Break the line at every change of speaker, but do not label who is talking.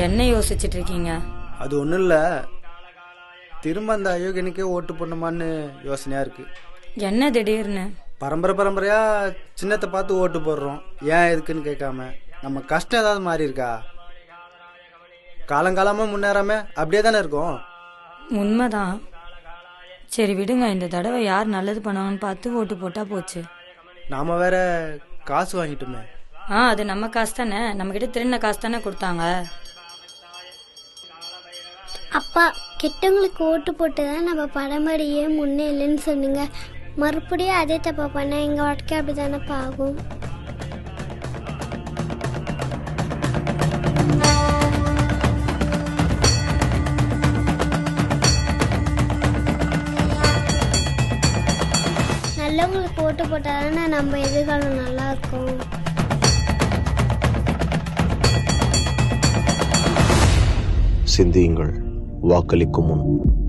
என்ன யோசிச்சுட்டு இருக்கீங்க?
அது ஒன்றும் இல்லை, திரும்ப அந்த அயோக்கியனுக்கே ஓட்டு போடணுமான்னு யோசனையாக இருக்குது.
என்ன திடீர்னு?
பரம்பரையாக சின்னத்தை பார்த்து ஓட்டு போடுறோம், ஏன் எதுக்குன்னு கேட்காம. நம்ம கஷ்டம் ஏதாவது மாறி இருக்கா? காலங்காலமாக முன்னேறாம அப்படியே தானே இருக்கும்.
உண்மைதான். சரி விடுங்க, இந்த தடவை யார் நல்லது பண்ணுவாங்கன்னு பார்த்து ஓட்டு போட்டா போச்சு.
நாம வேற காசு வாங்கிட்டோமே.
அது நம்ம காசு தானே, நம்ம கிட்ட திருடின காசு தானே கொடுத்தாங்க.
அப்பா, கெட்டவங்களுக்கு ஓட்டு போட்டு தான் நம்ம பரம்பரையே முன்னே இல்லைன்னு சொன்னீங்க. மறுபடியும் அதே தப்பா பண்ண எங்கள் வாழ்க்கை அப்படி தானேப்பா ஆகும். நல்லவங்களுக்கு ஓட்டு போட்டாதானே நம்ம எதிர்காலம் நல்லா இருக்கும்.
சிந்தியுங்கள், வாக்களிக்கும் முன்.